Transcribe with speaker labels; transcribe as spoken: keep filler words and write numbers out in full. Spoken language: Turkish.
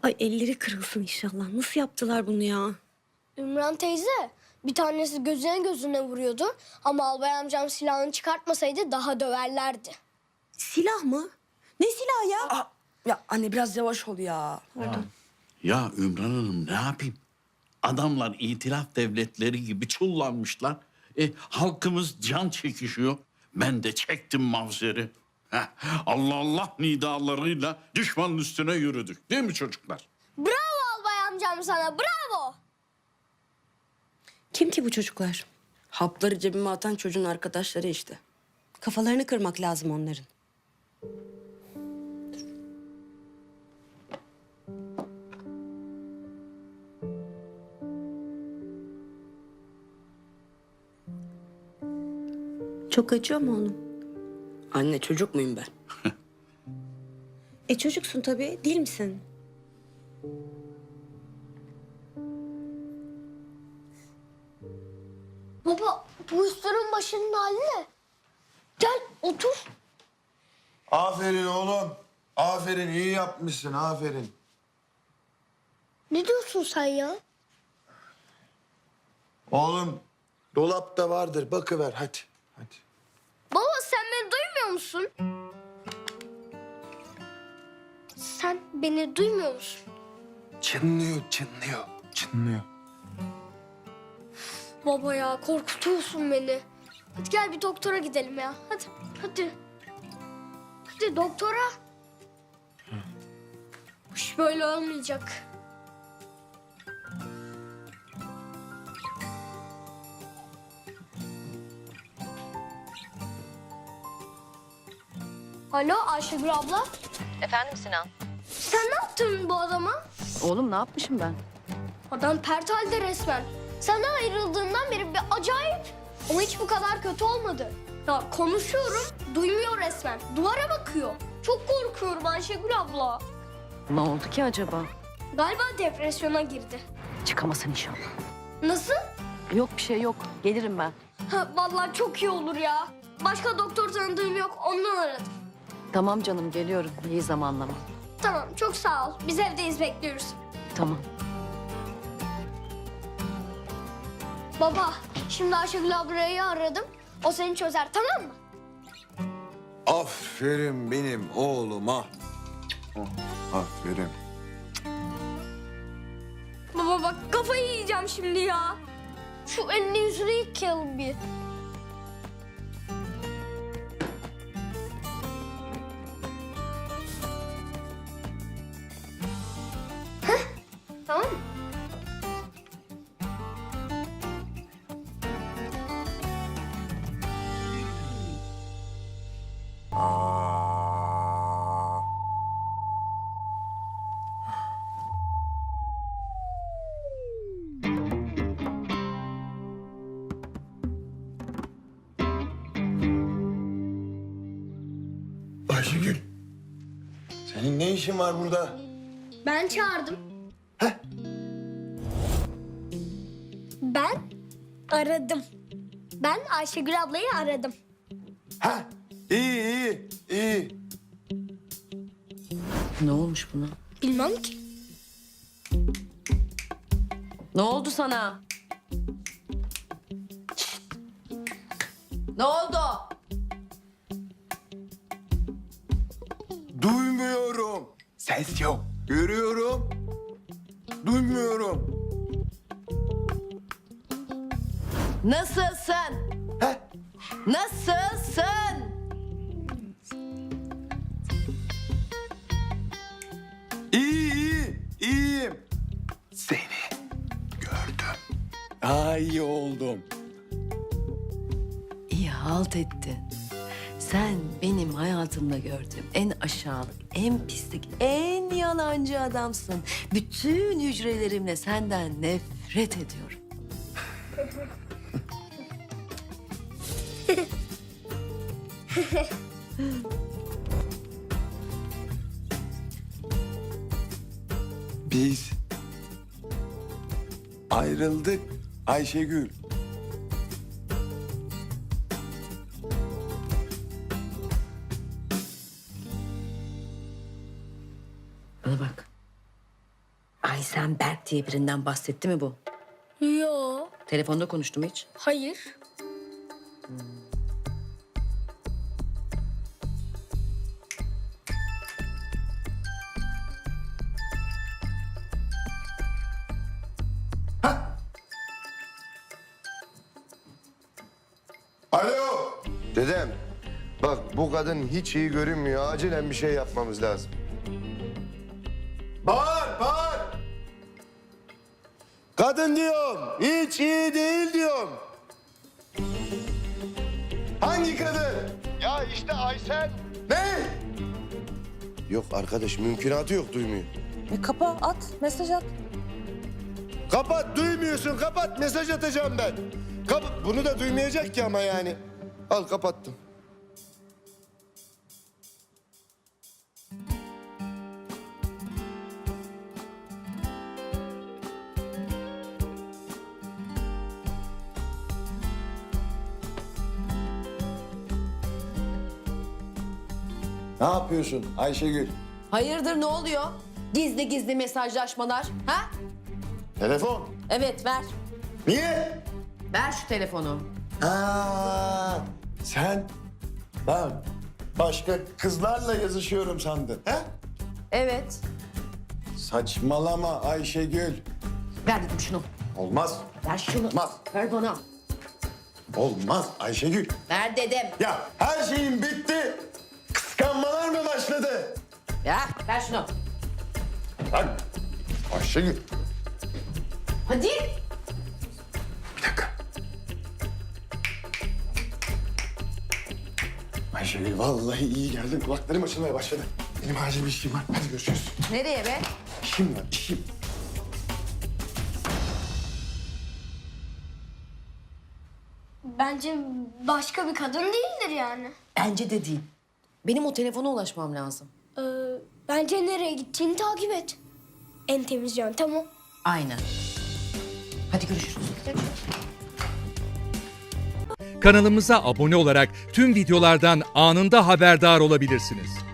Speaker 1: Ay elleri kırılsın inşallah. Nasıl yaptılar bunu ya?
Speaker 2: Ümran teyze, bir tanesi gözüne gözüne vuruyordu ama albay amcam silahını çıkartmasaydı daha döverlerdi.
Speaker 1: Silah mı? Ne silahı ya?
Speaker 3: Aa, ya anne biraz yavaş ol ya.
Speaker 1: Pardon.
Speaker 4: Ya Ümran Hanım ne yapayım? Adamlar itilaf devletleri gibi çullanmışlar. E, halkımız can çekişiyor. Ben de çektim mavzeri. Heh, Allah Allah nidalarıyla düşmanın üstüne yürüdük. Değil mi çocuklar?
Speaker 2: Bravo albay amcam sana, bravo!
Speaker 1: Kim ki bu çocuklar?
Speaker 3: Hapları cebime atan çocuğun arkadaşları işte.
Speaker 1: Kafalarını kırmak lazım onların. Çok acıyor mu onun?
Speaker 3: Anne çocuk muyum ben?
Speaker 1: E çocuksun tabii, değil misin?
Speaker 2: Baba, bu üstlerin başının hali ne? Gel, otur.
Speaker 5: Aferin oğlum. Aferin, iyi yapmışsın, aferin.
Speaker 2: Ne diyorsun sen ya?
Speaker 5: Oğlum, dolapta vardır, bakıver hadi. Hadi.
Speaker 2: Baba sen beni duymuyor musun? Sen beni duymuyor musun?
Speaker 5: Çınlıyor, çınlıyor, çınlıyor.
Speaker 2: Baba ya korkutuyorsun beni. Hadi gel bir doktora gidelim ya. Hadi, hadi. Hadi doktora. Bu iş böyle olmayacak. Alo Ayşegül abla.
Speaker 6: Efendim Sinan?
Speaker 2: Sen ne yaptın bu adama?
Speaker 6: Oğlum ne yapmışım ben?
Speaker 2: Adam pert halde resmen. Sana ayrıldığından beri bir acayip. Ama hiç bu kadar kötü olmadı. Ya konuşuyorum, duymuyor resmen. Duvara bakıyor. Çok korkuyorum Ayşegül abla.
Speaker 6: Ne oldu ki acaba?
Speaker 2: Galiba depresyona girdi.
Speaker 6: Çıkamasın inşallah.
Speaker 2: Nasıl?
Speaker 6: Yok bir şey yok. Gelirim ben.
Speaker 2: Ha, vallahi çok iyi olur ya. Başka doktor tanıdığım yok, ondan aradım.
Speaker 6: Tamam canım geliyorum. İyi zamanlama.
Speaker 2: Tamam, çok sağ ol. Biz evdeyiz, bekliyoruz.
Speaker 6: Tamam.
Speaker 2: Baba, şimdi Ayşegül ablayı aradım. O seni çözer, tamam mı?
Speaker 5: Aferin benim oğluma. Aferin.
Speaker 2: Baba bak kafayı yiyeceğim şimdi ya. Şu elini yüzünü yıkayalım bir. Heh, tamam mı?
Speaker 5: Aa. Ayşegül. Senin ne işin var burada?
Speaker 2: Ben çağırdım.
Speaker 5: Heh.
Speaker 2: Ben aradım. Ben Ayşegül ablayı aradım.
Speaker 5: Ha? İyi, iyi, iyi.
Speaker 6: Ne olmuş buna?
Speaker 2: Bilmem ki.
Speaker 6: Ne oldu sana? Şşt! Ne oldu?
Speaker 5: Duymuyorum. Ses yok. Görüyorum. Duymuyorum.
Speaker 6: Nasılsın?
Speaker 5: Heh.
Speaker 6: Nasılsın?
Speaker 5: İyi, iyi, iyiyim. Seni gördüm. Daha iyi oldum.
Speaker 6: İyi halt ettin. Sen benim hayatımda gördüğüm en aşağılık, en pislik, en yalancı adamsın. Bütün hücrelerimle senden nefret ediyorum.
Speaker 5: Biz ayrıldık Ayşegül.
Speaker 6: Bana bak. Aysen Berk diye birinden bahsetti mi bu?
Speaker 2: Yo,
Speaker 6: Telefonda konuştu mu hiç?
Speaker 2: hayır.
Speaker 5: Alo. Dedem, bak bu kadın hiç iyi görünmüyor. Acilen bir şey yapmamız lazım. Bağır, bağır. Kadın diyorum, hiç iyi değil diyorum. Hangi kadın? Ya işte Aysen. Ne? Yok arkadaş, mümkünatı yok, duymuyor.
Speaker 7: E kapa, at, mesaj at.
Speaker 5: Kapat, duymuyorsun. Kapat, mesaj atacağım ben. Kap Bunu da duymayacak ki ama yani. Al, kapattım. Ne yapıyorsun Ayşegül?
Speaker 6: Hayırdır ne oluyor? Gizli gizli mesajlaşmalar. Ha?
Speaker 5: Telefon.
Speaker 6: Evet ver.
Speaker 5: Niye?
Speaker 6: Ver şu telefonu.
Speaker 5: Aa, sen ben başka kızlarla yazışıyorum sandın. He?
Speaker 6: Evet.
Speaker 5: Saçmalama Ayşegül.
Speaker 6: Ver dedim şunu.
Speaker 5: Olmaz.
Speaker 6: Ver şunu.
Speaker 5: Olmaz.
Speaker 6: Ver bana.
Speaker 5: Olmaz Ayşegül.
Speaker 6: Ver dedim.
Speaker 5: Ya her şeyin bitti. Kıskanmalar mı başladı?
Speaker 6: Ya ver şunu.
Speaker 5: Lan Ayşegül.
Speaker 6: Hadi.
Speaker 5: Bir dakika. Ayşegül vallahi iyi geldin. Kulaklarım açılmaya başladı. Benim acil bir işim var. Hadi görüşürüz.
Speaker 6: Nereye be?
Speaker 5: İşim var, işim.
Speaker 2: Bence başka bir kadın değildir yani.
Speaker 6: Bence de değil. Benim o telefona ulaşmam lazım.
Speaker 2: Ee, bence nereye gittiğini takip et. En temiz yöntem o.
Speaker 6: Aynen. Hadi görüşürüz.
Speaker 8: Kanalımıza abone olarak tüm videolardan anında haberdar olabilirsiniz.